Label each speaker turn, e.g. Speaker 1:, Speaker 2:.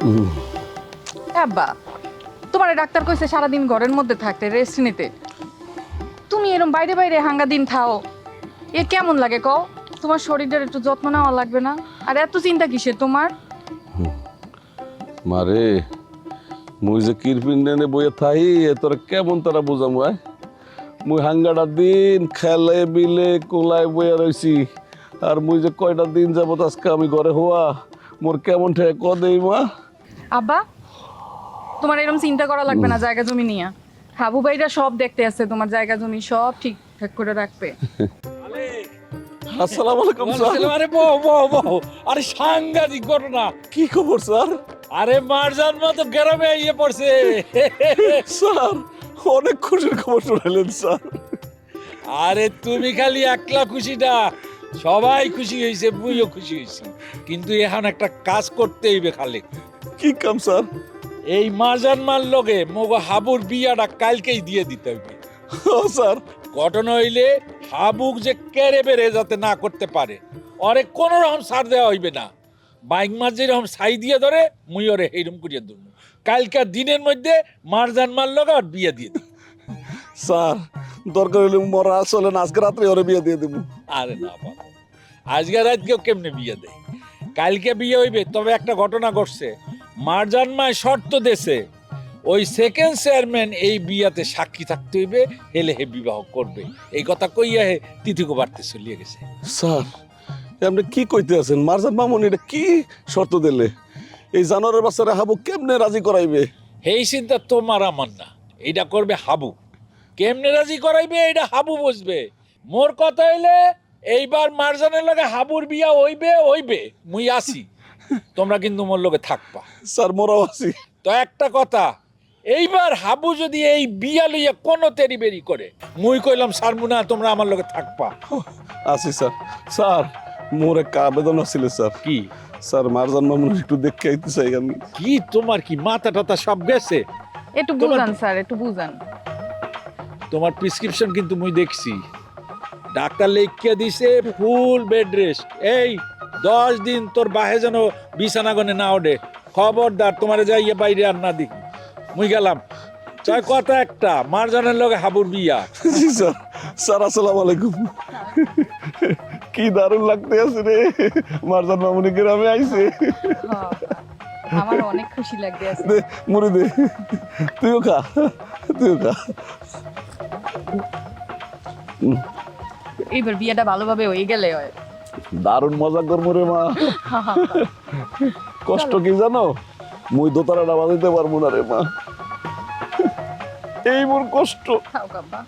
Speaker 1: আব্বা, তোমার ডাক্তার কইছে সারাদিন ঘরের মধ্যে থাকতে, রেস্ট নিতে। তুমি এরকম বাইরে বাইরে হাঙ্গা দিন থাও, এ কেমন লাগে কও? তোমার শরীরের একটু যত্ন নেওয়া লাগবে না? আর এত চিন্তা কিসের তোমার?
Speaker 2: মারে মুই যে কিরপিন্ডে বইয়ে থাই তোরা কেমন তারা বুঝাম মুই হাঙ্গাটা দিন খেলে বিলে কোলায় বইয়া রইছি। আর মুই যে কয়টা দিন যাবত আজকে আমি ঘরে হওয়া মোর কেমন ঠেক ক দেই মা।
Speaker 1: আব্বা, তোমার এরকম চিন্তা করা লাগবে না জায়গা জমি নিয়ে। হাবু ভাইরা সব দেখতে আছে, তোমার জায়গা জমি সব ঠিকঠাক করে রাখবে।
Speaker 2: আসসালামু আলাইকুম স্যার।
Speaker 3: আরে বউ বউ বউ, আরে সাংঘাতিক ঘটনা।
Speaker 2: কি খবর স্যার?
Speaker 3: আরে মারজান মা তো গ্রামে আইয়ে পড়ছে।
Speaker 2: স্যার অনেক খুশির খবর শোনালেন স্যার।
Speaker 3: আরে তুমি খালি একলা খুশি না, সবাই খুশি হয়েছে, মুইও খুশি হয়েছি। কিন্তু এখন একটা কাজ করতে হইবে খালি।
Speaker 2: কি কাম স্যার?
Speaker 3: এই মারজান মার লগে মগো হাবুর বিয়াটা কালকেই দিয়ে দিতে হইবে।
Speaker 2: ও স্যার,
Speaker 3: ঘটনা হইলে হাবুক যে কেড়ে বেড়ে যাতে না করতে পারে, ওরে কোনো রকম ছাড় দেওয়া হইবে না। বাইক মার যেরকম ছাই দিয়ে ধরে মুই ওরে এইরকম করিয়া ধরবো। কালকার দিনের মধ্যে মারজান মার লগে আর বিয়ে দিয়ে দিই।
Speaker 2: স্যার দরকার হলে মরা চলেন আজকে রাত্রে ওরে বিয়ে দিয়ে দেবো।
Speaker 3: আরে না বাবা, আজকে রাত কেউ কেমনে বিয়ে দেয়? কালকে বিয়ে হইবে, তবে একটা ঘটনা ঘটছে। মারজান মায় শর্ত দেশে ওই সেকেন্ড চেয়ারম্যান এই বিয়াতে সাক্ষী থাকতে হইবে, হেলে হে বিবাহ করবে। এই কথা কইয়া হে তিথিকো বাড়তে চলিয়ে গেছে।
Speaker 2: স্যার আপনি কি কইতে আছেন? মারজান মামুন এটা কি শর্ত দিলে? এই জানোয়ারের বাচ্চারা হাবু কেমনে রাজি করাইবে?
Speaker 3: এই চিন্তা তোমার আমার না, এইটা করবে হাবু। কেমনে রাজি করাইবে এটা হাবু বুঝবে। মোর কথা হইলে এইবার মারজানের লগে হাবুর বিয়া হইবে হইবে, মুই আসি। তোমরা কিন্তু মোর লগে থাকবা।
Speaker 2: স্যার মোরাও আছি।
Speaker 3: তো একটা কথা, এইবার হাবু যদি এই বিয়া লইয়া কোনো তেরি বেরি করে, মুই কইলাম সারমুনা তোমরা আমার লগে থাকবা।
Speaker 2: আছি স্যার। স্যার মোর একটা আবেদন আছিল স্যার।
Speaker 3: কি
Speaker 2: স্যার মারজান মামুন একটু দেখতে আইতে চাই আমি।
Speaker 3: কি তোমার কি মাথা টাথা সব গেছে?
Speaker 1: একটু
Speaker 3: তোমার-
Speaker 1: বুঝান স্যার, একটু বুঝান।
Speaker 3: তোমার প্রেসক্রিপশন কিন্তু মুই দেখছি, ডাক্তার লিখিয়ে দিছে ফুল বেড রেস্ট। এই 10 দিন তোর বাহে যেন বিছানাগনে না ওঠে। খবরদার তোমারে যাইয়ে বাইরে আর না দেখি। মুই গেলাম। তাই কথা একটা, মারজানের লগে হাবুর বিয়া।
Speaker 2: জি স্যার। স্যার আসসালামু আলাইকুম। কি দারুণ লাগতে আছে রে, মারজান মামুনি গ্রামে আইছে।
Speaker 1: হ্যাঁ, আমার অনেক খুশি লাগবে আছে।
Speaker 2: দে মুড়ি দে, তুইও খা, তুইও খা।
Speaker 1: এইবার বিয়েটা ভালোভাবে হয়ে গেলে হয়।
Speaker 2: দারুণ মজা করবো রে মা। কষ্ট কি জানো? মুই দোতারাটা বাজাইতে পারবো না রে মা, এই মোর কষ্ট।
Speaker 1: খাও কাব্বা।